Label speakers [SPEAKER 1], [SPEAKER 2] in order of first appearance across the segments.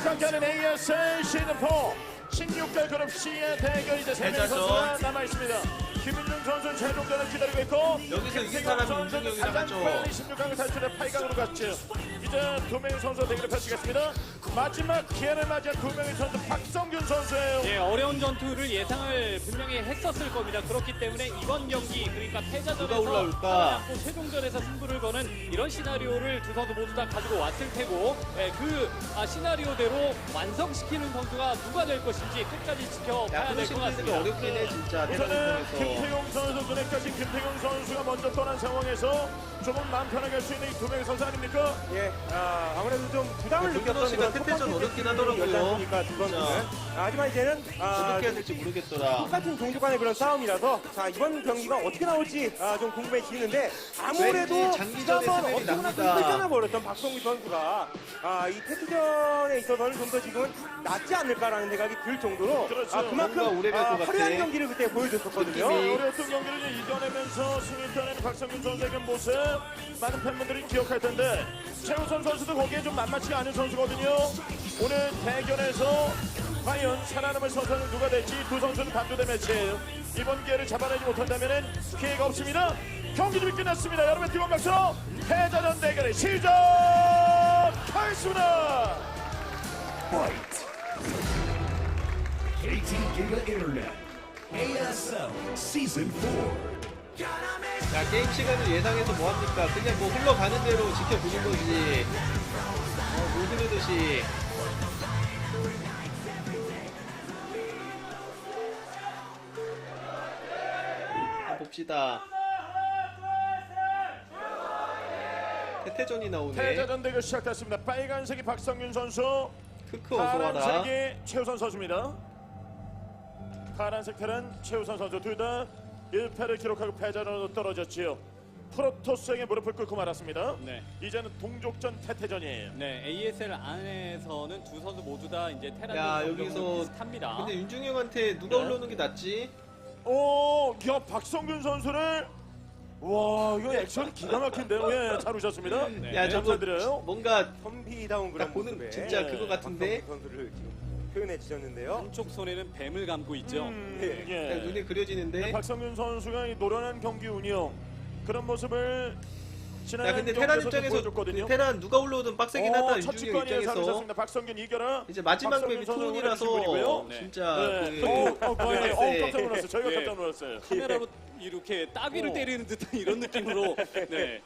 [SPEAKER 1] 함께하는 ASL 시즌4 16개 그룹 C의 대결 이제 3명 선수가 남아있습니다. 김윤중 선수 최종전을 기다리고 있고
[SPEAKER 2] 여기서 이긴 사람이
[SPEAKER 1] 선수는
[SPEAKER 2] 윤중혁이랑
[SPEAKER 1] 가장
[SPEAKER 2] 하죠.
[SPEAKER 1] 빨리 16강을 탈출해 8강으로 갔죠. 이제 2명의 선수 대결을 펼치겠습니다. 마지막 기회를 맞이한 2명의 선수 박성균 선수예요.
[SPEAKER 3] 예, 어려운 전투를 예상을 분명히 했었을 겁니다. 그렇기 때문에 이번 경기 그러니까
[SPEAKER 2] 누가
[SPEAKER 3] 패자전에서
[SPEAKER 2] 올라올까?
[SPEAKER 3] 살아남고 최종전에서 승부를 거는 이런 시나리오를 두 선수 모두 다 가지고 왔을 테고 예, 그 시나리오대로 완성시키는 선수가 누가 될 것인지 끝까지 지켜봐야 될 것 같습니다.
[SPEAKER 2] 어렵긴 해 진짜.
[SPEAKER 1] 우선은
[SPEAKER 2] 대단히
[SPEAKER 1] 김태용 선수 눈에 까진 김태용 선수가 먼저 떠난 상황에서 조금 마음 편하게 할 수 있는 이 2명의 선수 아닙니까?
[SPEAKER 4] 예, 아무래도 좀 부담을
[SPEAKER 2] 김준호
[SPEAKER 4] 느꼈던
[SPEAKER 2] 씨가
[SPEAKER 4] 그런 첫
[SPEAKER 2] 태태전
[SPEAKER 4] 번째
[SPEAKER 2] 어렵긴
[SPEAKER 4] 경기였지
[SPEAKER 2] 하더라고요.
[SPEAKER 4] 않습니까, 두 선수는.
[SPEAKER 2] 진짜.
[SPEAKER 4] 하지만 이제는
[SPEAKER 2] 어떻게 해야 될지 모르겠더라.
[SPEAKER 4] 똑같은 종족 간의 그런 싸움이라서 자 이번 경기가 어떻게 나올지 좀 궁금해지는데 아무래도
[SPEAKER 2] 왠지 장기전에
[SPEAKER 4] 지난번
[SPEAKER 2] 스멜이
[SPEAKER 4] 어떻게나
[SPEAKER 2] 납니다.
[SPEAKER 4] 끌려나 버렸던 박성규 선수가 이 테스트전에 있어서는 좀 더 지금은 낫지 않을까라는 생각이 들 정도로
[SPEAKER 1] 그렇죠.
[SPEAKER 4] 그만큼
[SPEAKER 2] 뭔가 오래 갈것 같아.
[SPEAKER 4] 화려한 경기를 그때 보여줬었거든요.
[SPEAKER 2] 느낌이.
[SPEAKER 1] 어려웠던 경기를 이제 이겨내면서 승리 따낸 박성균 선수의 모습 많은 팬분들이 기억할 텐데 최우선 선수도 거기에 좀 만만치가 않은 선수거든요. 오늘 대결에서 과연 살아남을 선수는 누가 될지 두 선수는 반도대 매치예요. 이번 기회를 잡아내지 못한다면 기회가 없습니다. 경기 준비 끝났습니다. 여러분 뜨거운 박수로 패자전 대결의 시작하겠습니다.
[SPEAKER 5] KT Giga Internet, ASL Season 4.
[SPEAKER 2] 자, 게임 시간을 예상해서 뭐합니까? 그냥 뭐 흘러가는 대로 지켜보는 거지. 물 흐르듯이. 한번 봅시다. 태태전이 나오네.
[SPEAKER 1] 패자전 대결 시작됐습니다. 빨간색이 박성균 선수,
[SPEAKER 2] 크크 어서와라.
[SPEAKER 1] 파란색이 최우선 선수입니다. 파란색 테란 최우선 선수 둘 다 1패를 기록하고 패자전으로 떨어졌지요. 프로토스에게 무릎을 꿇고 말았습니다.
[SPEAKER 3] 네.
[SPEAKER 1] 이제는 동족전 태태전이에요.
[SPEAKER 3] 네, ASL 안에서는 두 선수 모두 다 이제 테란
[SPEAKER 2] 야,
[SPEAKER 3] 경력은
[SPEAKER 2] 여기서
[SPEAKER 3] 비슷합니다.
[SPEAKER 2] 근데 윤중형한테 누가
[SPEAKER 1] 네.
[SPEAKER 2] 올라오는 게 낫지?
[SPEAKER 1] 야 박성균 선수를 와 이거 액션이 기가 막힌데요. 예, 잘 오셨습니다.
[SPEAKER 3] 네.
[SPEAKER 2] 야, 저거
[SPEAKER 1] 감사드려요.
[SPEAKER 2] 뭔가
[SPEAKER 4] 선비다운 그런
[SPEAKER 2] 딱 보는
[SPEAKER 4] 모습에
[SPEAKER 2] 진짜
[SPEAKER 1] 네.
[SPEAKER 2] 그거 같은데?
[SPEAKER 4] 박성규 선수를 지금 표현해 주셨는데요.
[SPEAKER 3] 한쪽 손에는 뱀을 감고 있죠.
[SPEAKER 1] 예.
[SPEAKER 2] 딱 눈에 그려지는데.
[SPEAKER 1] 박성균 선수가 이 노련한 경기 운영 그런 모습을 지난
[SPEAKER 2] 야, 근데 테란
[SPEAKER 1] 경기에서도
[SPEAKER 2] 입장에서
[SPEAKER 1] 보여줬거든요.
[SPEAKER 2] 그 테란 누가 올라오든 빡세긴 하다.
[SPEAKER 1] 첫
[SPEAKER 2] 윤중형
[SPEAKER 1] 직관이에 잘
[SPEAKER 2] 입장에서.
[SPEAKER 1] 오셨습니다. 박성균 이겨라.
[SPEAKER 2] 이제 마지막
[SPEAKER 1] 박성균
[SPEAKER 2] 맵이
[SPEAKER 1] 선수
[SPEAKER 2] 투혼이라서
[SPEAKER 1] 분이고요.
[SPEAKER 3] 네.
[SPEAKER 2] 진짜
[SPEAKER 1] 네. 깜짝 놀랐어요. 저희가
[SPEAKER 3] 네.
[SPEAKER 1] 깜짝 놀랐어요.
[SPEAKER 3] 카메라로 이렇게 따귀를 때리는 듯한 이런 느낌으로 네.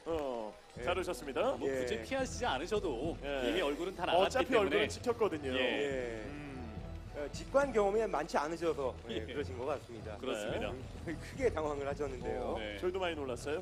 [SPEAKER 1] 잘 오셨습니다.
[SPEAKER 3] 뭐
[SPEAKER 4] 예.
[SPEAKER 3] 굳이 피하시지 않으셔도
[SPEAKER 1] 예.
[SPEAKER 3] 이미 얼굴은 다 나갔기
[SPEAKER 1] 어차피
[SPEAKER 3] 때문에
[SPEAKER 1] 얼굴은 찍혔거든요.
[SPEAKER 3] 예.
[SPEAKER 4] 예. 직관 경험이 많지 않으셔서
[SPEAKER 3] 예.
[SPEAKER 4] 그러신 것 같습니다.
[SPEAKER 3] 그렇습니다.
[SPEAKER 4] 크게 당황을 하셨는데요.
[SPEAKER 3] 네.
[SPEAKER 1] 저희도 많이 놀랐어요.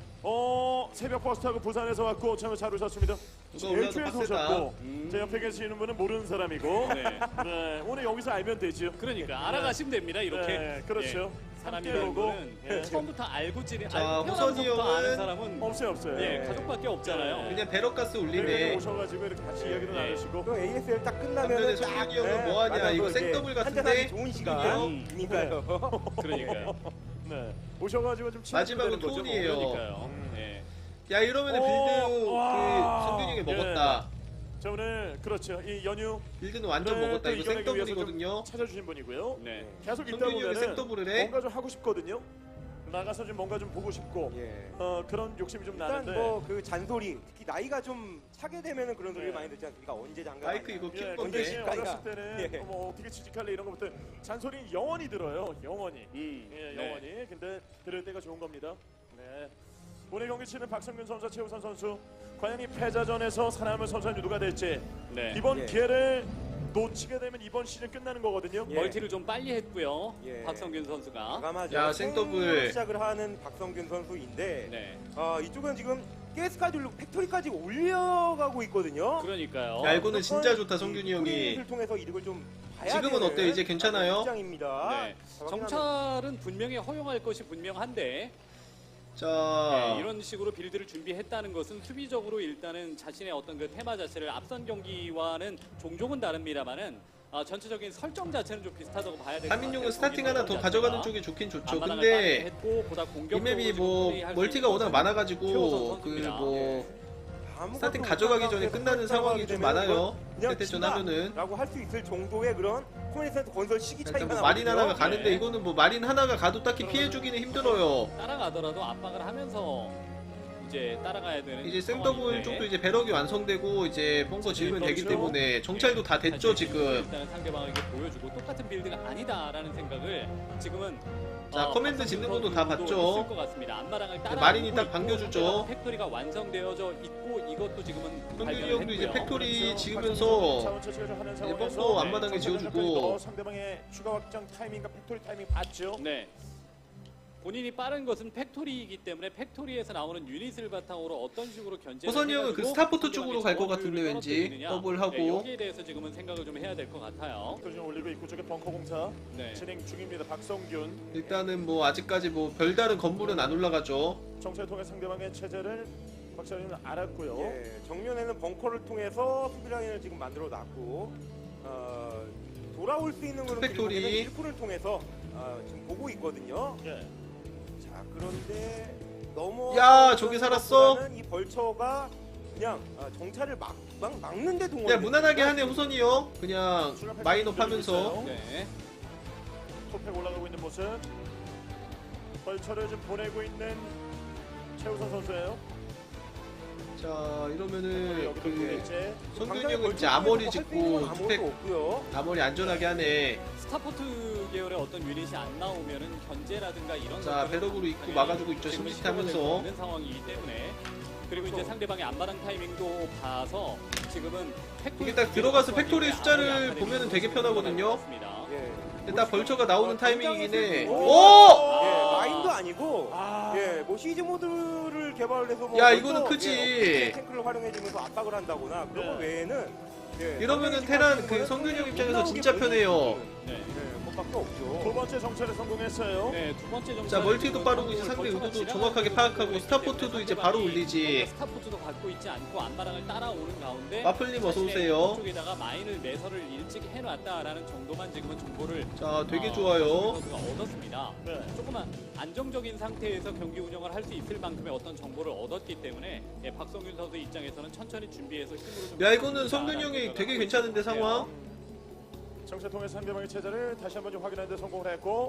[SPEAKER 1] 새벽 버스 타고 부산에서 왔고 참 잘 오셨습니다.
[SPEAKER 2] 누가 올라도
[SPEAKER 1] 일주에서
[SPEAKER 2] 빡세다.
[SPEAKER 1] 오셨고 제 옆에 계시는 분은 모르는 사람이고
[SPEAKER 3] 네.
[SPEAKER 1] 네, 오늘 여기서 알면 되죠.
[SPEAKER 3] 그러니까 알아가시면 됩니다. 이렇게
[SPEAKER 1] 네, 그렇죠.
[SPEAKER 3] 예. 사람이
[SPEAKER 1] 함께 오고,
[SPEAKER 3] 거는
[SPEAKER 1] 예.
[SPEAKER 3] 처음부터 알고 지내
[SPEAKER 2] 자,
[SPEAKER 3] 알고
[SPEAKER 2] 호선이
[SPEAKER 3] 태어나서부터 아는
[SPEAKER 2] 형은
[SPEAKER 3] 사람은
[SPEAKER 1] 없어요.
[SPEAKER 3] 예, 가족밖에 없잖아요.
[SPEAKER 2] 그냥 배럭가스
[SPEAKER 1] 네.
[SPEAKER 2] 올리네.
[SPEAKER 1] 오셔가지고 이렇게 같이 이야기도
[SPEAKER 3] 네.
[SPEAKER 1] 나누시고
[SPEAKER 4] 또 ASL 딱 끝나면
[SPEAKER 2] 근데 성윤이 형은 뭐 하냐, 이거 생더블 같은데?
[SPEAKER 4] 한잔하기 좋은
[SPEAKER 3] 음.
[SPEAKER 4] 시간이니까요.
[SPEAKER 3] 그러니까요.
[SPEAKER 1] 네. 오셔가지고 좀
[SPEAKER 2] 마지막은
[SPEAKER 1] 거죠.
[SPEAKER 2] 투혼이에요.
[SPEAKER 3] 그러니까요. 예.
[SPEAKER 2] 야, 이러면은 빌드
[SPEAKER 1] 와.
[SPEAKER 2] 성균이 형이 먹었다.
[SPEAKER 1] 자 오늘 그렇죠. 이 연휴
[SPEAKER 2] 빌드는 완전
[SPEAKER 1] 네,
[SPEAKER 2] 먹었다.
[SPEAKER 1] 또
[SPEAKER 2] 이거
[SPEAKER 1] 이겨내기 위해서 좀
[SPEAKER 2] 생더블이거든요.
[SPEAKER 1] 찾아주신 분이고요.
[SPEAKER 3] 네.
[SPEAKER 1] 계속 있다
[SPEAKER 2] 성균이 형이
[SPEAKER 1] 보면은
[SPEAKER 2] 생더블을 해?
[SPEAKER 1] 뭔가 좀 하고 싶거든요. 나가서 좀 뭔가 좀 보고 싶고
[SPEAKER 4] 예.
[SPEAKER 1] 그런 욕심이 좀
[SPEAKER 4] 일단
[SPEAKER 1] 나는데
[SPEAKER 4] 뭐 그 잔소리 특히 나이가 좀 차게 되면은 그런 소리
[SPEAKER 1] 네.
[SPEAKER 4] 많이 듣지 않습니까? 언제 장가
[SPEAKER 2] 마이크
[SPEAKER 4] 가냐.
[SPEAKER 2] 이거
[SPEAKER 1] 예,
[SPEAKER 2] 킬
[SPEAKER 1] 근데
[SPEAKER 2] 건데.
[SPEAKER 1] 어렸을 때는
[SPEAKER 4] 예.
[SPEAKER 1] 뭐 어떻게 취직할래 이런 것부터 잔소리 영원히 들어요. 영원히. 예,
[SPEAKER 3] 네.
[SPEAKER 1] 영원히. 근데 들을 때가 좋은 겁니다. 네. 오늘 경기 치는 박성균 선수, 최우선 선수 과연 이 패자전에서 살아남은 선수는 누가 될지
[SPEAKER 3] 네.
[SPEAKER 1] 이번
[SPEAKER 4] 예.
[SPEAKER 1] 기회를 놓치게 되면 이번 시즌 끝나는 거거든요.
[SPEAKER 4] 예.
[SPEAKER 3] 멀티를 좀 빨리 했고요.
[SPEAKER 4] 예.
[SPEAKER 3] 박성균 선수가.
[SPEAKER 4] 과감하죠.
[SPEAKER 2] 야, 생더블.
[SPEAKER 4] 생으로 시작을 하는 박성균 선수인데
[SPEAKER 3] 네.
[SPEAKER 4] 이쪽은 지금 가스카줄로 팩토리까지 올려가고 있거든요.
[SPEAKER 3] 그러니까요.
[SPEAKER 2] 야, 이거는 진짜 좋다, 성균이 형이.
[SPEAKER 4] 을 통해서 이득을 좀 봐야
[SPEAKER 2] 지금은
[SPEAKER 4] 되는
[SPEAKER 2] 어때요? 이제 괜찮아요?
[SPEAKER 4] 입장입니다.
[SPEAKER 3] 네. 정찰은 분명히 허용할 것이 분명한데
[SPEAKER 2] 자,
[SPEAKER 3] 이런 식으로 빌드를 준비했다는 것은 수비적으로 일단은 자신의 어떤 그 테마 자체를 앞선 경기와는 종종은 다릅니다만은 전체적인 설정 자체는 좀 비슷하다고 봐야 될것 같아요.
[SPEAKER 2] 한민용은 스타팅 하나 더 가져가는 쪽이 좋긴 좋죠.
[SPEAKER 3] 앞마당을
[SPEAKER 2] 근데
[SPEAKER 3] 했고 보다
[SPEAKER 2] 이
[SPEAKER 3] 공격적으로
[SPEAKER 2] 맵이 뭐
[SPEAKER 3] 지금 플레이할 수
[SPEAKER 2] 멀티가
[SPEAKER 3] 있는
[SPEAKER 2] 워낙
[SPEAKER 3] 것은
[SPEAKER 2] 많아가지고
[SPEAKER 3] 최우선
[SPEAKER 2] 그
[SPEAKER 3] 선수입니다.
[SPEAKER 2] 뭐 스타팅 가져가기 전에 끝나는 상황이 좀 많아요. 세대전 하면은
[SPEAKER 4] 라고 할 수 있을 정도의 그런 코미디 센터 건설 시기 차이가
[SPEAKER 2] 일단 뭐
[SPEAKER 4] 나거든요.
[SPEAKER 2] 마린 하나가 가는데
[SPEAKER 3] 네.
[SPEAKER 2] 이거는 뭐 마린 하나가 가도 딱히 피해주기는 힘들어요.
[SPEAKER 3] 따라가더라도 압박을 하면서 이제 따라가야 되는
[SPEAKER 2] 이제 생더블
[SPEAKER 3] 상황인데
[SPEAKER 2] 쪽도 이제 배럭이 완성되고 이제 벙커 지으면 되기 때문에 정찰도 다 됐죠 지금.
[SPEAKER 3] 일단은 상대방에게 보여주고 똑같은 빌드가 아니다라는 생각을 지금은
[SPEAKER 2] 자, 커맨드 짓는 것도 다 봤죠.
[SPEAKER 3] 있을 것 같습니다. 앞마당을 따라
[SPEAKER 2] 마린이 딱 반겨주죠.
[SPEAKER 3] 팩토리가 완성되어져 있고 이것도 지금은
[SPEAKER 2] 성균이 형도 이제
[SPEAKER 3] 발견을 했고요.
[SPEAKER 2] 팩토리 지으면서
[SPEAKER 1] 자원 채취가 좀 하는
[SPEAKER 2] 이제
[SPEAKER 1] 상황에서
[SPEAKER 2] 벙커 앞마당에 지어주고
[SPEAKER 1] 상대방의 추가 확장 타이밍과 팩토리 타이밍 봤죠.
[SPEAKER 3] 네. 본인이 빠른 것은 팩토리이기 때문에 팩토리에서 나오는 유닛을 바탕으로 어떤 식으로 견제.
[SPEAKER 2] 호선이 형은 그 스타포트 쪽으로 갈 것 같은데 왠지 더블하고.
[SPEAKER 3] 여기에 대해서 지금은 생각을 좀 해야 될 것 같아요.
[SPEAKER 1] 팩토리 좀 올리고 입구 쪽에 벙커 공사
[SPEAKER 3] 네.
[SPEAKER 1] 진행 중입니다. 박성균
[SPEAKER 2] 일단은 뭐 아직까지 뭐 별다른 건물은 안 올라가죠.
[SPEAKER 1] 정찰을 통해 상대방의 체제를 박사님은 알았고요.
[SPEAKER 4] 예, 정면에는 벙커를 통해서 수비 라인을 지금 만들어 놨고 돌아올 수 있는 그런
[SPEAKER 2] 투팩토리.
[SPEAKER 4] 그림은 일꾼을 통해서 지금 보고 있거든요.
[SPEAKER 1] 예.
[SPEAKER 4] 자 그런데 너무
[SPEAKER 2] 야, 저기 살았어?
[SPEAKER 4] 이 벌처가 그냥 정찰을 막는데 동원.
[SPEAKER 2] 그냥 무난하게 하네 호선이 형. 그냥 마인업 하면서.
[SPEAKER 3] 네.
[SPEAKER 1] 토팩 올라가고 있는 모습. 벌처를 좀 보내고 있는 최우선 선수예요.
[SPEAKER 2] 자 이러면은
[SPEAKER 1] 여기도
[SPEAKER 2] 그
[SPEAKER 1] 보겠지.
[SPEAKER 2] 성균이 형은 이제 아머리 짓고
[SPEAKER 4] 아무것도
[SPEAKER 2] 투팩
[SPEAKER 4] 없고요.
[SPEAKER 2] 아머리 안전하게 하네.
[SPEAKER 3] 스타포트 계열의 어떤 유닛이 안 나오면은 견제라든가 이런
[SPEAKER 2] 자
[SPEAKER 3] 것들은
[SPEAKER 2] 배럭으로 입고 막아주고 있죠.
[SPEAKER 3] 지금은
[SPEAKER 2] 심시티
[SPEAKER 3] 시도가 될수
[SPEAKER 2] 하면서.
[SPEAKER 3] 없는 상황이기 때문에 그리고 이제
[SPEAKER 4] 그렇죠.
[SPEAKER 3] 상대방의 안마당 타이밍도 봐서 지금은
[SPEAKER 2] 이게 딱 들어가서 팩토리 숫자를 보면은 되게 편하거든요.
[SPEAKER 4] 예.
[SPEAKER 2] 근데 딱 벌처가 나오는 타이밍이긴 해.
[SPEAKER 4] 오!
[SPEAKER 2] 오!
[SPEAKER 4] 예, 마인도 아니고 예, 뭐 시즈 모드를 개발해서 뭐
[SPEAKER 2] 야,
[SPEAKER 4] 먼저,
[SPEAKER 2] 이거는 크지.
[SPEAKER 4] 예, 탱크를 활용해주면서 압박을 한다거나 그런 거
[SPEAKER 1] 네.
[SPEAKER 4] 외에는 예,
[SPEAKER 2] 이러면은
[SPEAKER 4] 상대방이
[SPEAKER 2] 테란
[SPEAKER 4] 지금
[SPEAKER 2] 그 성균이 형
[SPEAKER 4] 못
[SPEAKER 2] 입장에서
[SPEAKER 4] 나오게
[SPEAKER 2] 진짜
[SPEAKER 4] 만드는
[SPEAKER 2] 편해요.
[SPEAKER 3] 네.
[SPEAKER 4] 예, 그것밖에
[SPEAKER 1] 두
[SPEAKER 4] 없죠.
[SPEAKER 1] 번째 정찰에 성공했어요.
[SPEAKER 3] 네, 두 번째 정찰.
[SPEAKER 2] 자 멀티도 빠르고 이제 상대 의도도 정확하게 파악하고 스타포트도 이제 바로 올리지.
[SPEAKER 3] 스타포트도 갖고 있지 않고 안마랑을 따라오는 가운데
[SPEAKER 2] 마플님 어서
[SPEAKER 3] 자신의
[SPEAKER 2] 오세요.
[SPEAKER 3] 쪽에다가 마인을 매설을 일찍 해놨다라는 정도만 지금은 정보를
[SPEAKER 2] 자 되게 좋아요.
[SPEAKER 3] 선수가 얻었습니다.
[SPEAKER 1] 네.
[SPEAKER 3] 조금만 안정적인 상태에서 경기 운영을 할 수 있을 만큼의 어떤 정보를 얻었기 때문에 예, 박성균 선수 입장에서는 천천히 준비해서 힘으로 좀
[SPEAKER 2] 야 이거는 성균이 형이 되게 괜찮은데 상황.
[SPEAKER 1] 정찰 통해 상대방의 체제를 다시 한번 좀 확인하는 데 성공을 했고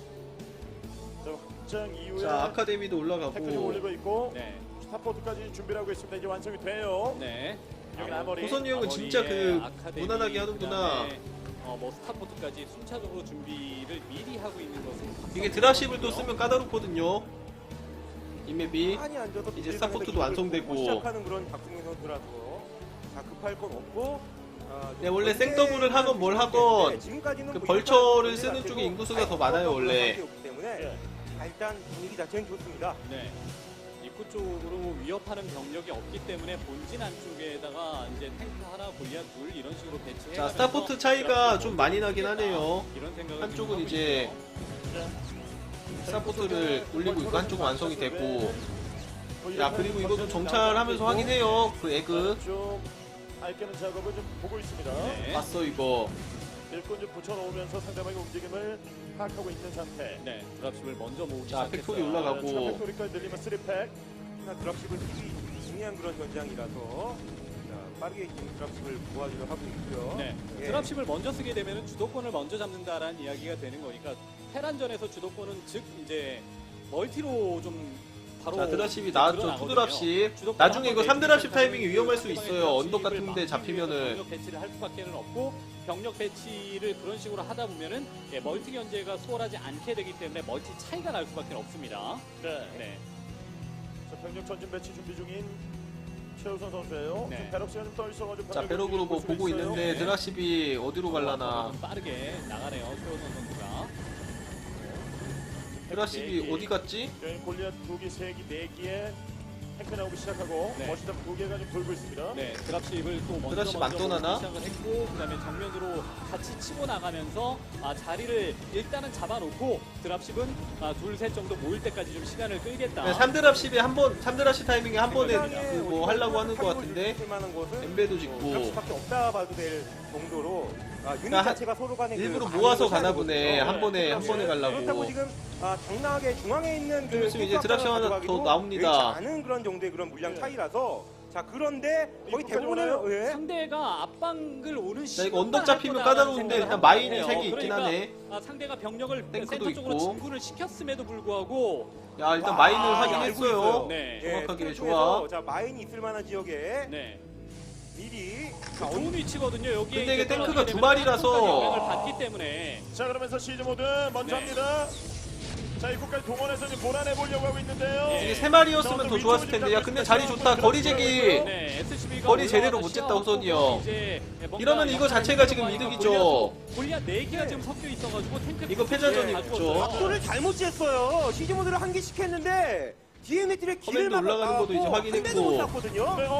[SPEAKER 1] 자, 확장 이후에
[SPEAKER 2] 자 아카데미도
[SPEAKER 1] 팩토리
[SPEAKER 2] 올라가고.
[SPEAKER 1] 올리고 있고
[SPEAKER 3] 네,
[SPEAKER 1] 스타포트까지 준비를 하고 있습니다. 이제 완성이 돼요.
[SPEAKER 3] 네.
[SPEAKER 1] 여기 아머리.
[SPEAKER 2] 호선이 형은 진짜 그 무난하게 하는구나.
[SPEAKER 3] 뭐 스타포트까지 순차적으로 준비를 미리 하고 있는 것은
[SPEAKER 2] 이게 드랍십을 또 쓰면 까다롭거든요. 이 맵이.
[SPEAKER 4] 많이 앉아서
[SPEAKER 2] 이제 스타포트도 완성되고.
[SPEAKER 4] 시작하는 그런 박승민 선수라서 자 급할 건 없고.
[SPEAKER 2] 네, 원래 생더블을 하건 뭘 하건
[SPEAKER 4] 지금까지는
[SPEAKER 2] 그
[SPEAKER 4] 뭐
[SPEAKER 2] 벌처를
[SPEAKER 4] 일반
[SPEAKER 2] 쓰는
[SPEAKER 4] 자체도
[SPEAKER 2] 쪽에 인구수가 더 많아요, 원래.
[SPEAKER 4] 상태였기 때문에
[SPEAKER 1] 예.
[SPEAKER 4] 일단 분위기 자체는 좋습니다.
[SPEAKER 3] 네. 입구 쪽으로 위협하는 병력이 없기 때문에 본진 안쪽에다가 이제 탱크 하나, 골리앗 둘 이런 식으로 배치해.
[SPEAKER 2] 자 스타포트 차이가 좀 많이 나긴 하네요.
[SPEAKER 3] 이런 생각을
[SPEAKER 2] 한쪽은
[SPEAKER 3] 지금
[SPEAKER 2] 이제
[SPEAKER 3] 하고 있어요.
[SPEAKER 2] 스타포트를 올리고 있고 한쪽은 완성이 됐고. 야 그리고 이것도 정찰하면서 확인해요. 그 에그
[SPEAKER 1] 좀 알게는 작업을 좀 보고 있습니다.
[SPEAKER 3] 네.
[SPEAKER 2] 봤어 이거.
[SPEAKER 1] 일꾼 좀 붙여놓으면서 상대방의 움직임을 파악하고 있는 상태.
[SPEAKER 3] 네, 드랍십을 먼저 모으기
[SPEAKER 2] 자,
[SPEAKER 3] 시작했어요.
[SPEAKER 2] 팩토리 올라가고.
[SPEAKER 1] 팩토리까지 늘리면 3팩.
[SPEAKER 4] 하나 드랍십을 뛰기 중요한 그런 전장이라서 자, 빠르게 지금 드랍십을 모아주려 하고 있고요.
[SPEAKER 3] 네,
[SPEAKER 4] 예.
[SPEAKER 3] 드랍십을 먼저 쓰게 되면 주도권을 먼저 잡는다라는 이야기가 되는 거니까 테란전에서 주도권은 즉 이제 멀티로 좀 바로
[SPEAKER 2] 자 드랍십이 나왔죠.
[SPEAKER 3] 드러나거든요.
[SPEAKER 2] 2드랍십.
[SPEAKER 3] 주도권
[SPEAKER 2] 나중에 이거
[SPEAKER 3] 한번
[SPEAKER 2] 3드랍십
[SPEAKER 3] 내주시면
[SPEAKER 2] 타이밍이 위험할 수
[SPEAKER 3] 상대방의
[SPEAKER 2] 있어요. 언덕
[SPEAKER 3] 드랍십을
[SPEAKER 2] 같은데
[SPEAKER 3] 막기
[SPEAKER 2] 잡히면은.
[SPEAKER 3] 위해서 병력 배치를 할 수밖에는 없고 병력 배치를 그런 식으로 하다 보면은 예, 멀티 견제가 수월하지 않게 되기 때문에 멀티 차이가 날 수밖에 없습니다.
[SPEAKER 1] 네.
[SPEAKER 3] 네.
[SPEAKER 1] 자, 병력 전진 배치 준비 중인 최우선 선수예요.
[SPEAKER 3] 네.
[SPEAKER 1] 좀 배럭 시간 좀 떠 있어가지고.
[SPEAKER 2] 자 배럭으로 뭐 보고 있는데 드랍십이 어디로 갈라나.
[SPEAKER 3] 좀 빠르게 나가네요. 최호선 선수가.
[SPEAKER 2] 드랍십이 어디 갔지?
[SPEAKER 1] 여기 골리앗 2기, 3기, 4기에 탱크 나오기 시작하고
[SPEAKER 3] 네.
[SPEAKER 1] 멋있다 2개가 좀 돌고 있습니다.
[SPEAKER 3] 네, 드랍십을 또 먼저
[SPEAKER 2] 드랍십 안 떠나나?
[SPEAKER 3] 시작을 했고 그다음에 정면으로 같이 치고 나가면서 자리를 일단은 잡아놓고 드랍십은 둘, 셋 정도 모일 때까지 좀 시간을 끌겠다.
[SPEAKER 2] 네, 3드랍십에 한번 3드랍십 타이밍에 한 번에 그 뭐 하려고 하는 것 같은데. 엠베도 짓고.
[SPEAKER 4] 드랍십밖에 없다 봐도 될 정도로 유닛
[SPEAKER 2] 그러니까
[SPEAKER 4] 자체가 서로 간에
[SPEAKER 2] 일부러
[SPEAKER 4] 그
[SPEAKER 2] 모아서
[SPEAKER 4] 반응을
[SPEAKER 2] 가나 보네.
[SPEAKER 4] 하는
[SPEAKER 2] 한 번에 한 번에
[SPEAKER 4] 그렇다고
[SPEAKER 2] 가려고.
[SPEAKER 4] 지금 당나하게 중앙에 있는
[SPEAKER 2] 좀 있으면 이제 드랍십 하나 더 나옵니다.
[SPEAKER 4] 않은 그런 정도의 그런 물량 차이라서 자 그런데 거의
[SPEAKER 1] 이거까지
[SPEAKER 4] 대부분의
[SPEAKER 1] 오나요?
[SPEAKER 4] 예.
[SPEAKER 3] 상대가 앞방을 오는
[SPEAKER 2] 자, 이거
[SPEAKER 3] 시간만
[SPEAKER 2] 언덕
[SPEAKER 3] 할
[SPEAKER 2] 잡히면
[SPEAKER 3] 거다라는
[SPEAKER 2] 까다로운데
[SPEAKER 3] 생각을
[SPEAKER 2] 일단
[SPEAKER 3] 하고
[SPEAKER 2] 마인이
[SPEAKER 3] 있네요.
[SPEAKER 2] 3개 있긴
[SPEAKER 3] 그러니까,
[SPEAKER 2] 하네.
[SPEAKER 3] 상대가 병력을
[SPEAKER 2] 탱크도
[SPEAKER 3] 센터 쪽으로
[SPEAKER 2] 있고.
[SPEAKER 3] 진군을 시켰음에도 불구하고
[SPEAKER 2] 야 일단
[SPEAKER 4] 와,
[SPEAKER 2] 마인을
[SPEAKER 4] 알고
[SPEAKER 2] 확인했어요.
[SPEAKER 4] 있어요.
[SPEAKER 3] 네.
[SPEAKER 2] 정확하게
[SPEAKER 4] 예,
[SPEAKER 2] 좋아.
[SPEAKER 4] 쪽에서 자 마인이 있을 만한 지역에
[SPEAKER 3] 네.
[SPEAKER 4] 미리
[SPEAKER 3] 좋은 위치거든요. 여기에
[SPEAKER 2] 근데 이게
[SPEAKER 3] 이제
[SPEAKER 2] 탱크가
[SPEAKER 3] 떨어지게
[SPEAKER 2] 두
[SPEAKER 3] 되면
[SPEAKER 2] 마리라서.
[SPEAKER 3] 탱크가 영향을 받기 때문에
[SPEAKER 1] 자, 그러면서 시즈 모드 먼저
[SPEAKER 3] 네.
[SPEAKER 1] 합니다. 자, 입구까지 동원해서 이제 몰아내보려고 하고 있는데요.
[SPEAKER 3] 예.
[SPEAKER 2] 이게 3마리였으면 더 좋았을 텐데. 야 근데 자리 좋다. 거리 제기.
[SPEAKER 3] 네, SCB가
[SPEAKER 2] 거리 제대로 못 쟀다, 우선이 형. 이러면 이거 자체가 지금 이득이죠.
[SPEAKER 3] 골리앗 4개가 지금 섞여 있어가지고 탱크
[SPEAKER 2] 이거 패자전이
[SPEAKER 3] 다
[SPEAKER 2] 있죠.
[SPEAKER 3] 죽었어요.
[SPEAKER 4] 각도를 잘못 쟀어요. 시즈모드를 한 개씩 했는데 DM들의 길을
[SPEAKER 2] 커맨드 올라가는 것도 이제 확인했고.
[SPEAKER 4] 한 대도 못 쐈거든요.
[SPEAKER 1] 네,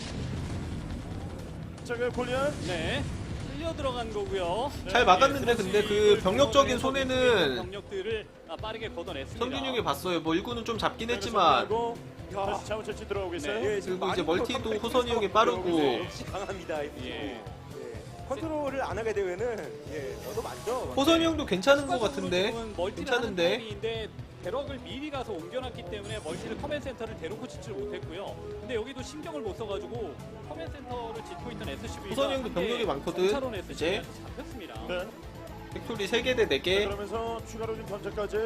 [SPEAKER 1] 자, 그 골리안.
[SPEAKER 3] 네. 흘려 들어간 거고요.
[SPEAKER 2] 잘 막았는데 근데 그 병력적인 손해는
[SPEAKER 3] 병력들을 빠르게 걷어냈습니다.
[SPEAKER 2] 성균형이 봤어요. 뭐 일구는 좀 잡긴 했지만
[SPEAKER 1] 다시 자원 채취 들어오고 있어요.
[SPEAKER 3] 네.
[SPEAKER 4] 예, 지금
[SPEAKER 2] 그리고 이제
[SPEAKER 4] 많이
[SPEAKER 2] 멀티도
[SPEAKER 4] 더
[SPEAKER 2] 호선이 형이 빠르고.
[SPEAKER 4] 역시 강합니다.
[SPEAKER 3] 예.
[SPEAKER 4] 예. 컨트롤을 안 하게 되면은 예, 너도 많죠.
[SPEAKER 2] 호선이 형도 괜찮은 것 같은데.
[SPEAKER 3] 지금은 멀티를
[SPEAKER 2] 괜찮은데.
[SPEAKER 3] 하는 타이밍인데 배럭을 미리 가서 옮겨놨기 때문에 멀티를 커맨 센터를 대놓고 짓지를 못했고요. 근데 여기도 신경을 못 써가지고 커맨 센터를 짓고 있던 SCV가
[SPEAKER 2] 호선이 형도 병력이 많거든.
[SPEAKER 3] 차론
[SPEAKER 2] 이제.
[SPEAKER 3] SCV한테 잡혔습니다.
[SPEAKER 1] 네.
[SPEAKER 2] 팩토리 3개 대 4개.
[SPEAKER 1] 그러면서 추가로 좀 견제까지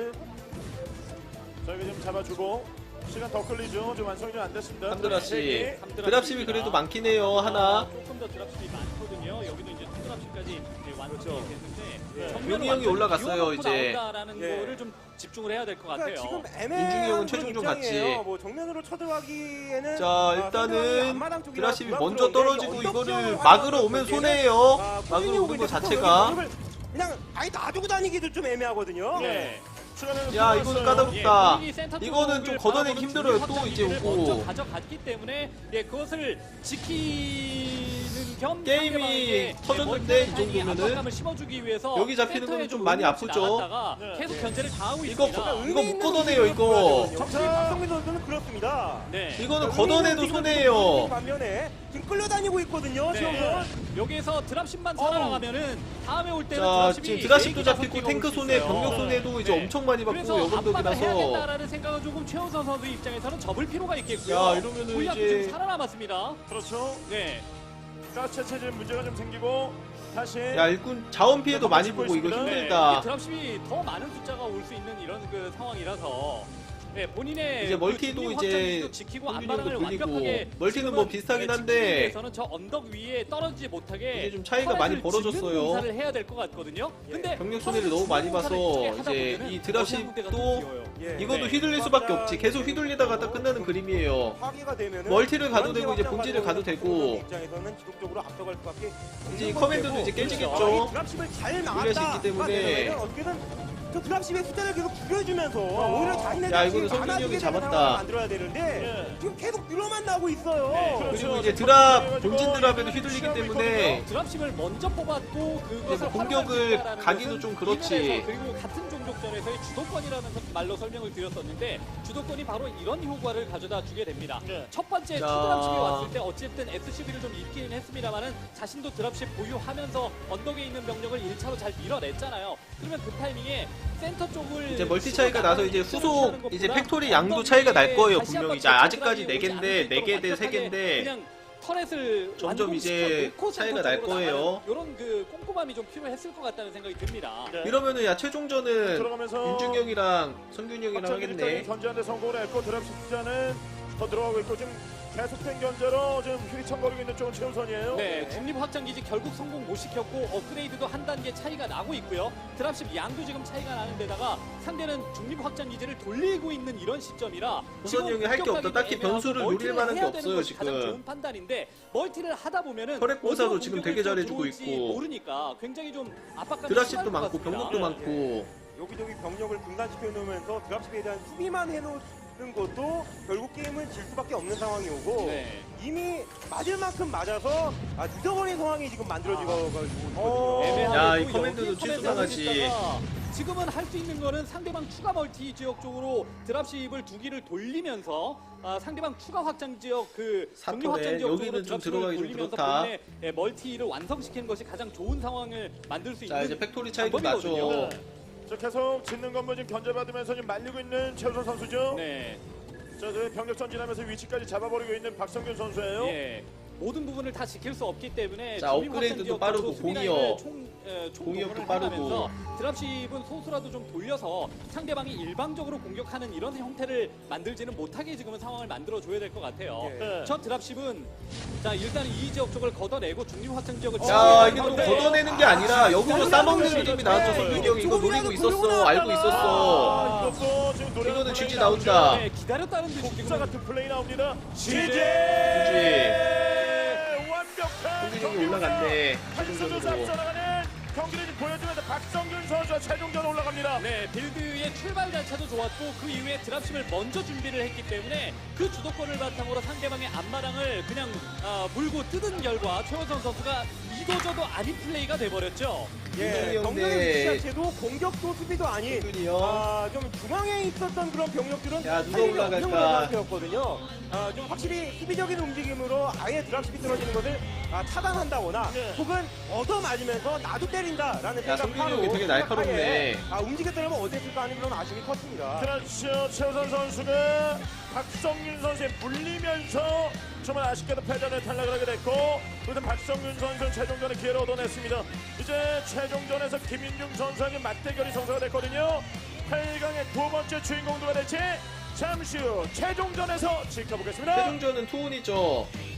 [SPEAKER 1] 저희가 좀 잡아주고 시간 더 끌리죠. 지금 완성이 좀 안 됐습니다.
[SPEAKER 2] 함드라시.
[SPEAKER 1] 네.
[SPEAKER 2] 드랍십이 그래도 많긴 해요. 하나.
[SPEAKER 3] 조금 더 드랍십이 많거든요. 여기도 이제 드랍십까지 이제 완성이
[SPEAKER 4] 그렇죠.
[SPEAKER 3] 됐는데
[SPEAKER 1] 네.
[SPEAKER 3] 정면을
[SPEAKER 2] 용이 형이
[SPEAKER 3] 완전히
[SPEAKER 2] 올라갔어요,
[SPEAKER 3] 비워놓고
[SPEAKER 2] 이제.
[SPEAKER 3] 나온다라는
[SPEAKER 4] 예.
[SPEAKER 3] 거를 좀 집중을 해야 될 것
[SPEAKER 4] 그러니까
[SPEAKER 3] 같아요.
[SPEAKER 4] 지금
[SPEAKER 2] 윤중이
[SPEAKER 4] 애매한
[SPEAKER 2] 형은 최종종
[SPEAKER 4] 그런 입장이에요.
[SPEAKER 2] 같지.
[SPEAKER 4] 뭐 정면으로 쳐들어가기에는
[SPEAKER 2] 자 일단은 드랍십이 먼저 떨어지고 이거를 막으러 오면 손해예요. 막으러 오는 거 자체가.
[SPEAKER 4] 그냥 아예 놔두고 다니기도 좀 애매하거든요.
[SPEAKER 1] 네. 추가는
[SPEAKER 2] 야 이거는 까다롭다.
[SPEAKER 3] 예, 본인이 센터
[SPEAKER 2] 이거는 좀
[SPEAKER 3] 쪽을
[SPEAKER 2] 걷어내기
[SPEAKER 3] 바라보는
[SPEAKER 2] 힘들어요.
[SPEAKER 3] 중립
[SPEAKER 2] 또
[SPEAKER 3] 확장
[SPEAKER 2] 이제
[SPEAKER 3] 기지를 먼저
[SPEAKER 2] 오고.
[SPEAKER 3] 가져갔기 때문에 예, 그것을 지키는 겸
[SPEAKER 2] 게임이
[SPEAKER 3] 상대방에게
[SPEAKER 2] 터졌는데,
[SPEAKER 3] 멀티
[SPEAKER 2] 이 정도면은
[SPEAKER 3] 압박감을 심어주기 위해서
[SPEAKER 2] 여기 잡히는
[SPEAKER 3] 센터에
[SPEAKER 2] 거는 좀 많이 아프죠.
[SPEAKER 3] 나갔다가
[SPEAKER 1] 네.
[SPEAKER 3] 계속 견제를 당하고
[SPEAKER 2] 이거
[SPEAKER 3] 있습니다.
[SPEAKER 2] 이거 못 걷어내요 이거.
[SPEAKER 4] 역시 박성민 선수는 그렇습니다.
[SPEAKER 3] 네.
[SPEAKER 2] 이거는 걷어내도 손해예요.
[SPEAKER 4] 반면에 지금 끌려다니고 있거든요.
[SPEAKER 3] 네.
[SPEAKER 4] 지금은.
[SPEAKER 3] 여기에서 드랍십만 살아나가면은 다음에 올 때는
[SPEAKER 2] 자
[SPEAKER 3] 드랍십이
[SPEAKER 2] 지금 드랍십도
[SPEAKER 3] 4개가
[SPEAKER 2] 잡히고
[SPEAKER 3] 섞이고
[SPEAKER 2] 탱크
[SPEAKER 3] 올수
[SPEAKER 2] 손해,
[SPEAKER 3] 있어요.
[SPEAKER 2] 병력 손해도 이제
[SPEAKER 3] 네.
[SPEAKER 2] 엄청 많이 받고
[SPEAKER 3] 그래서 압박을
[SPEAKER 2] 여건덕이라서.
[SPEAKER 3] 해야겠다라는 생각은 조금 최우선 선수 입장에서는 접을 필요가 있겠고요.
[SPEAKER 2] 야, 이러면은
[SPEAKER 3] 골리앗도
[SPEAKER 2] 이제-
[SPEAKER 3] 지금 살아남았습니다.
[SPEAKER 1] 그렇죠.
[SPEAKER 3] 네.
[SPEAKER 1] 가스 채취 문제가 좀 생기고 다시
[SPEAKER 2] 야 일꾼 자원 피해도 많이 보고 이거
[SPEAKER 1] 있습니다.
[SPEAKER 3] 네,
[SPEAKER 2] 힘들다.
[SPEAKER 3] 이게 드랍십이 더 많은 숫자가 올 수 있는 이런 그 상황이라서 네, 본인의
[SPEAKER 2] 이제
[SPEAKER 3] 그
[SPEAKER 2] 멀티도
[SPEAKER 3] 중립
[SPEAKER 2] 이제
[SPEAKER 3] 확장기지도 지키고
[SPEAKER 2] 성균형도
[SPEAKER 3] 안바람을
[SPEAKER 2] 돌리고.
[SPEAKER 3] 완벽하게
[SPEAKER 2] 멀티는 뭐
[SPEAKER 3] 지금은,
[SPEAKER 2] 비슷하긴
[SPEAKER 3] 네,
[SPEAKER 2] 한데
[SPEAKER 3] 지키기 위해서는 저 언덕 위에 떨어지지 못하게
[SPEAKER 2] 이게 좀 차이가 많이
[SPEAKER 3] 터널을 짓는
[SPEAKER 2] 벌어졌어요.
[SPEAKER 3] 공사를 해야 될 것 같거든요. 근데
[SPEAKER 2] 병력 손해를 너무 많이 봐서 이제 이 드랍십도
[SPEAKER 4] 예.
[SPEAKER 2] 이것도
[SPEAKER 3] 네.
[SPEAKER 2] 휘둘릴 수밖에 없지. 계속 휘둘리다가 딱 끝나는 그림이에요.
[SPEAKER 4] 파괴가 되면은
[SPEAKER 2] 멀티를 가도 되고 이제
[SPEAKER 4] 확장
[SPEAKER 2] 본질을 가도
[SPEAKER 4] 가져오는
[SPEAKER 2] 되고.
[SPEAKER 4] 입장에서는 지속적으로 앞서갈 수밖에
[SPEAKER 2] 이제 이
[SPEAKER 4] 없는
[SPEAKER 2] 커맨드도
[SPEAKER 4] 문제고.
[SPEAKER 2] 이제 깨지겠죠.
[SPEAKER 4] 그렇죠. 드랍십을 잘
[SPEAKER 2] 유리할 수
[SPEAKER 4] 막았다.
[SPEAKER 2] 있기 때문에.
[SPEAKER 4] 어떻게든 저 드랍십의 숫자를 계속 줄여주면서 오히려 자신의
[SPEAKER 2] 야, 이거는
[SPEAKER 4] 드랍십이
[SPEAKER 2] 성균이
[SPEAKER 4] 많아지게
[SPEAKER 2] 형이
[SPEAKER 4] 되는
[SPEAKER 2] 잡았다.
[SPEAKER 4] 상황을 만들어야 되는데
[SPEAKER 1] 예.
[SPEAKER 4] 지금 계속 늘어만 나고 있어요.
[SPEAKER 3] 네,
[SPEAKER 1] 그렇죠.
[SPEAKER 2] 그리고 이제
[SPEAKER 1] 지금
[SPEAKER 2] 드랍
[SPEAKER 1] 해가지고
[SPEAKER 2] 본진 드랍에도
[SPEAKER 1] 지금
[SPEAKER 2] 휘둘리기
[SPEAKER 1] 취하고
[SPEAKER 2] 때문에
[SPEAKER 1] 있거든요.
[SPEAKER 3] 드랍십을 먼저 뽑았고 그것을
[SPEAKER 2] 뭐 공격을
[SPEAKER 3] 활용할 수 있다라는
[SPEAKER 2] 가기도
[SPEAKER 3] 것은
[SPEAKER 2] 좀 그렇지.
[SPEAKER 3] 이면에서 그리고 같은 종족전에서의 주도권이라는 말로 설명을 드렸었는데 주도권이 바로 이런 효과를 가져다 주게 됩니다.
[SPEAKER 1] 네.
[SPEAKER 3] 첫 번째
[SPEAKER 2] 자.
[SPEAKER 3] 투드랍십이 왔을 때 어쨌든 SCB를 좀 잃기는 했습니다만은 자신도 드랍십 보유하면서 언덕에 있는 병력을 1차로 잘 밀어냈잖아요. 그러면 그 타이밍에 센터 쪽을
[SPEAKER 2] 이제 멀티 차이가 나서 이제 후속 이제 팩토리 양도 차이가 날 거예요. 분명히. 자, 아직까지 4개인데 4개 대 3개인데
[SPEAKER 3] 그냥 터렛을
[SPEAKER 2] 점점 이제 차이가 날 거예요.
[SPEAKER 3] 이런 그 꼼꼼함이 좀 필요했을 것 같다는 생각이 듭니다.
[SPEAKER 1] 네.
[SPEAKER 2] 이러면은 야 최종전은
[SPEAKER 1] 들어가면서
[SPEAKER 2] 윤중형이랑 성균이 형이랑 하겠네.
[SPEAKER 1] 견제하는데 성공을 했고 드랍 숫자는 더 들어가고 있고 지금 계속된 견제로 지금 휘청거리고 있는 쪽은 최우선이에요.
[SPEAKER 3] 네, 중립 확장 기지 결국 성공 못 시켰고 업그레이드도 한 단계 차이가 나고 있고요. 드랍십 양도 지금 차이가 나는 데다가 상대는 중립 확장 기지를 돌리고 있는 이런 시점이라
[SPEAKER 2] 우선 형이 할게 없다. 딱히 변수를 노릴 만한 게 없어요,
[SPEAKER 3] 가장
[SPEAKER 2] 지금.
[SPEAKER 3] 좋은 판단인데 멀티를 하다 보면은
[SPEAKER 2] 혈액 공사도
[SPEAKER 3] 어디로
[SPEAKER 2] 지금
[SPEAKER 3] 공격을
[SPEAKER 2] 되게 잘해주고
[SPEAKER 3] 들어올지
[SPEAKER 2] 있고.
[SPEAKER 3] 모르니까 굉장히 좀 압박감이
[SPEAKER 2] 드랍십도
[SPEAKER 3] 심할 것
[SPEAKER 2] 많고
[SPEAKER 3] 같습니다.
[SPEAKER 2] 병력도 많고.
[SPEAKER 4] 여기저기 병력을 분산시켜 놓으면서 드랍십에 대한 수비만 해놓는 것도 결국 게임은 질 수밖에 없는 상황이 오고
[SPEAKER 3] 네.
[SPEAKER 4] 이미 맞을 만큼 맞아서 늦어버린 상황이 지금 만들어지고 있거든요.
[SPEAKER 3] 애매하게
[SPEAKER 2] 야,
[SPEAKER 3] 또
[SPEAKER 2] 이 커맨드도
[SPEAKER 3] 여기
[SPEAKER 2] 취소당하지.
[SPEAKER 3] 커맨드가 지금은 할 수 있는 거는 상대방 추가 멀티 지역 쪽으로 드랍십을 두 기를 돌리면서 상대방 추가 확장 지역 그
[SPEAKER 2] 사토네.
[SPEAKER 3] 정리 확장 지역
[SPEAKER 2] 여기는
[SPEAKER 3] 쪽으로
[SPEAKER 2] 좀
[SPEAKER 3] 드랍십을
[SPEAKER 2] 들어가기 좀
[SPEAKER 3] 돌리면서
[SPEAKER 2] 그렇다.
[SPEAKER 3] 본인의 멀티를 완성시키는 것이 가장 좋은 상황을 만들 수 있는
[SPEAKER 2] 자 이제 팩토리 차이도
[SPEAKER 3] 방법이거든요.
[SPEAKER 2] 나죠.
[SPEAKER 1] 네. 자, 계속 짓는 건물 지금 견제받으면서 지금 말리고 있는 최우선 선수죠.
[SPEAKER 3] 네.
[SPEAKER 1] 자, 저 병력 전진하면서 위치까지 잡아버리고 있는 박성균 선수예요.
[SPEAKER 3] 예. 모든 부분을 다 지킬 수 없기 때문에
[SPEAKER 2] 자, 업그레이드도 빠르고 공이요. 공이업도 빠르고.
[SPEAKER 3] 드랍십은 소수라도 좀 돌려서 상대방이 일방적으로 공격하는 이런 형태를 만들지는 못하게 지금은 상황을 만들어줘야 될 것 같아요.
[SPEAKER 1] 네.
[SPEAKER 3] 첫 드랍십은 자 일단 이 지역 쪽을 걷어내고 중립 확장 지역을
[SPEAKER 2] 야, 이게 또 걷어내는 게 아니라 역으로 싸먹는 느낌이 나왔죠. 성균이 형이 이거 노리고 있었어. 알고 있었어.
[SPEAKER 1] 이것도 지금 노래
[SPEAKER 2] 이거는 GG 나온다.
[SPEAKER 3] 네, 기다렸다는 듯이
[SPEAKER 1] 복사
[SPEAKER 3] 지금
[SPEAKER 1] 같은 플레이 나옵니다.
[SPEAKER 2] GG.
[SPEAKER 1] 완벽한
[SPEAKER 2] 성균이 형이 올라갔네.
[SPEAKER 1] 선수
[SPEAKER 2] 최종적으로.
[SPEAKER 1] 앞서나가는 경기를 보여주면서 박성균 선수가 최종전 올라갑니다.
[SPEAKER 3] 네, 빌드의 출발 자체도 좋았고 그 이후에 드랍십을 먼저 준비를 했기 때문에 그 주도권을 바탕으로 상대방의 앞마당을 그냥 물고 뜯은 결과 최원선 선수가 이도저도 아닌 플레이가 돼버렸죠.
[SPEAKER 4] 예,
[SPEAKER 2] 이동이
[SPEAKER 4] 병력의
[SPEAKER 2] 형네.
[SPEAKER 4] 위치 자체도 공격도 수비도 아닌
[SPEAKER 2] 성균이 형.
[SPEAKER 4] 좀 중앙에 있었던 그런 병력들은
[SPEAKER 2] 야, 누가
[SPEAKER 4] 살리기
[SPEAKER 2] 올라갈까?
[SPEAKER 4] 없는 상태였거든요. 좀 확실히 수비적인 움직임으로 아예 드랍십이 떨어지는 것을 차단한다거나
[SPEAKER 1] 네.
[SPEAKER 4] 혹은 얻어맞으면서 나도 때린다라는
[SPEAKER 2] 야, 성균이
[SPEAKER 4] 생각하고
[SPEAKER 2] 형이 되게 날카롭네.
[SPEAKER 4] 움직였더라면 어땠을까 하는 그런 아쉬움이 컸습니다.
[SPEAKER 1] 그렇죠. 최우선 선수가 박성균 선수에 물리면서 정말 아쉽게도 패전에 탈락을 하게 됐고, 그래서 박성균 선수는 최종전에 기회를 얻어냈습니다. 이제 최종전에서 김윤중 선수에게 맞대결이 성사가 됐거든요. 8강의 두 번째 주인공 누가 될지 잠시 후 최종전에서 지켜보겠습니다.
[SPEAKER 2] 최종전은 투혼이죠.